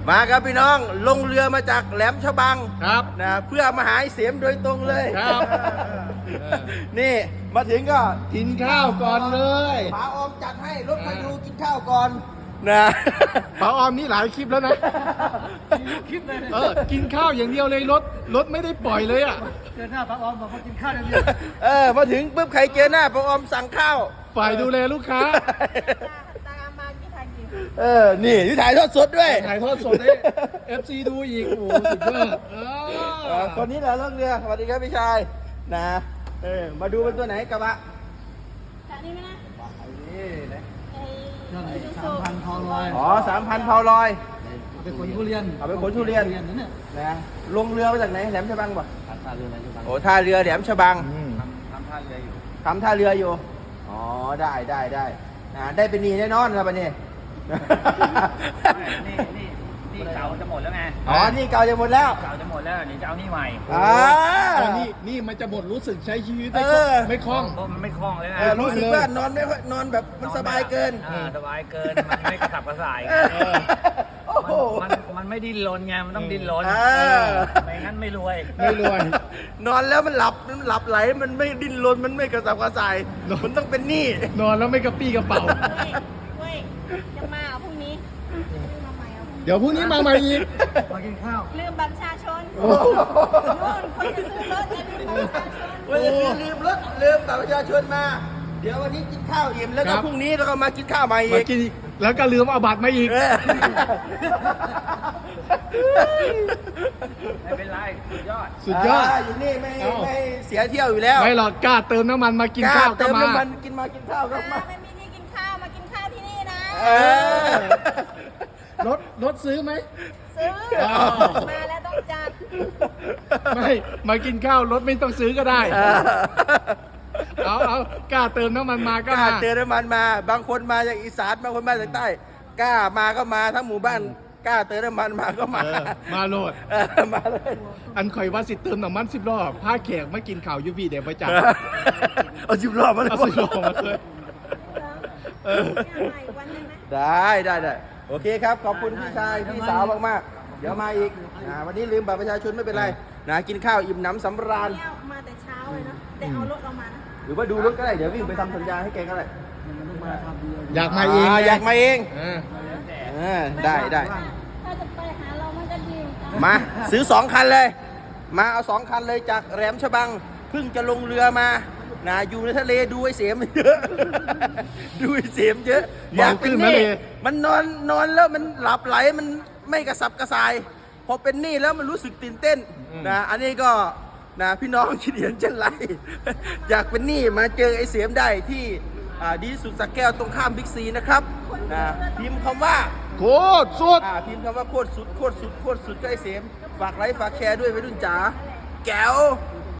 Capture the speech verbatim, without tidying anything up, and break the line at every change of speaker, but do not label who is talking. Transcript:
มาครับพี่น้องลงเรือมาจากแหลมฉบัง
ครับ
นะเพื่อมาหาไอ้เสียมโดยตรงเลย
ครับ
นี่มาถึงก็
กินข้าวก่อนเลย
ป๋าออมจัดให้รถพายุกินข้าวก่อนนะ
ป๋าออมนี่หลายคลิปแล้วนะคลิปเลยเออกินข้าวอย่างเดียวเลยรถรถไม่ได้ปล่อยเลยอ่ะ
เจอหน้าป้าออมบอกว่ากินข้าวอย่างเดียว
เออมาถึงปุ๊บใครเจอหน้าป๋าออมสั่งข้าว
ฝ่ายดูแลลูกค้า
ตามมากี่ทางกี่
เออนี่ที่ถ่ายทอดสดด้วย
ถ่ายทอดสดให้ เอฟ ซี ดูอีกโอ้โหสุดยอดเอ
เออ
อ
คนนี้แหละล่องเรือสวัสดีครับพี่ชายนะเออมาดูเป็นตัวไหนกระบะ
แต่นี่ไหมนะ
นี่นะ
ไอ้
นั่น
ไอ้ยู
สา
สุ
มพันทองลอย
อ๋อสามพันเผาลอย
เป็นคนทุเรียน
เอาไปขนทุเรียน
นั่นเนี่ย
นะลงเรือมาจากไหนแหลมฉบังป่ะ
ท่าเรืออะไรทุก
โอ้ท่าเรือแหลมฉบัง
อืม
ทำท่าเรืออยู่
ทำท่าเรืออยู่อ๋อได้ได้ได้นะได้เป็นหนีแน่นอนแล้วปะเนี่ย
นี่นี่นี่เก่าจะหมดแล้วไง
อ๋อนี่เก่าจะหมดแล้ว
เก่าจะหมดแล้วเดี๋ยวจะเอานี่ใหม่
อ่า
ตอนนี้นี่มันจะหมดรู้สึกใช้ชีวิตไม่
เออ
ไม่คล่อง
เพราะมันไม่คล่องเลยไง
เออรู้สึกว่านอนไม่ค่อยนอนแบบมันสบายเกิน
อ่าสบายเกิน มันไม่กระสับกระส่าย
เออโอ้โห
มันมันมันไม่ดิ้นรนไง มันต้องดิ้นรน
เออ
ไม่งั้นไม่รวย
ไม่รวย
นอนแล้วมันหลับมันหลับไหลมันไม่ดิ้นรนมันไม่กระสับกระส่าย
นอน
มันต้องเป็นหนี้
นอนแล้วไม่กระปี้กระเป๋า
เว้ยเว้ยจะมาเอาพรุ่งนี้มาใหม่เอาพรุ่งนี้
เดี๋ยวพรุ่งนี้มาใหม่อีก
มากินข้าว
ลืมบัตรประชาชน
โอ้โห
นู่นคนจะซื้อรถอย่าลืมบัตรประชาชน
วันนี้ลืมรถลืมบัตรประชาชนมา เดี๋ยววันนี้กินข้าวอิ่มแล้ว
ค
ก็
รับ
พรุ่งนี้เราก็มากินข้าวใหม่
มา
อีก
กินอีกแล้วก็ลืมเอาบัตรมาอีก
เออ
ไม่เป็นไรสุดยอด
สุดยอด
าอยู่นี่ไม่
เอ้า
ไม่เสียเที่ยวอยู่แล้ว
ไม่หรอกกล้าเติมน้ำมันมากินข้าว
ล้
ก็
เติม
มา
น้ำมันกินมากินข้าวก็มา
ไม่มีนี่กินข้าวมากินข้าวที่นี่นะ
เออ
รถรถซื้อไหม
ซื้อ
อ้าว
มาแล้วต้องจัด
ไม่มากินข้าวรถไม่ต้องซื้อก็ได้
เออ
เอาเอากล้าเติมน้ำมันมาก็
กล้า
มา
เติมน้ำมันมา บางคนมาจากอีสานบางคนมาจากใต้กล้ามาก็มาทั้งหมู่บ้านกล้าเติมน้ำมันมาก็มา
เออมาโหลด
เออมาเลย
อันข่อยว่าสิเติมน้ำมันสิบรอบผ้าแขกมากินข่าวยูวีเดี๋ยวไปจัด
เอาสิบรอบมาเลย
เอาสิบรอบมาเลย เออ
เนี่ยมาอีกวันหนึงนะ
ได้ได้ได้โอเคครับ ขอบคุณพี่ชายพี่สาวมากๆ เดี๋ยวมาอีกอ่าวันนี้ลืมบัตรประชาชนไม่เป็นไรนะกินข้าวอิ่มหนำสำราญ
เนี่ยมาแต่เช้าเลยเนาะแต่เอารถเรามานะ
หรือว่าดูรถก็ได้ เดี๋ยววิ่งไปทำสัญญาให้แกก็ได้
มันต้องมาทำเรือ
อยากมาเอง
า
ไง
อยากมาเอง
เออ
เออได้ได้
ถ้าจะไปหาเรามันก็ดี
มาซื้อสองคันเลย มาเอาสองคันเลยจากแหลมฉบังเพิ่งจะลงเรือมานะอยู่ในทะเลดูไอ้เสียมเยอะ ดูไอ้เสียมเยอะอยากเป็นหนี้มันนอนนอนแล้วมันหลับไหลมันไม่กระสับกระส่าย พอเป็นหนี้แล้วมันรู้สึกตื่นเต้นนะอันนี้ก็นะพี่น้องคิดเห็นเช่นไร อยากเป็นหนี้มาเจอไอ้เสียมได้ที่อ่าดีที่สุดสักแก้วตรงข้ามบิ๊กซีนะครับนะพิมพ์คำว่า
โคตรสุด
อ่าพิมพ์คำว่าโคตรสุดโคตรสุดโคตรสุดก็ไอเสมฝากไลค์ฝากแชร์ด้วยไปรุ่นจ๋าแก้ว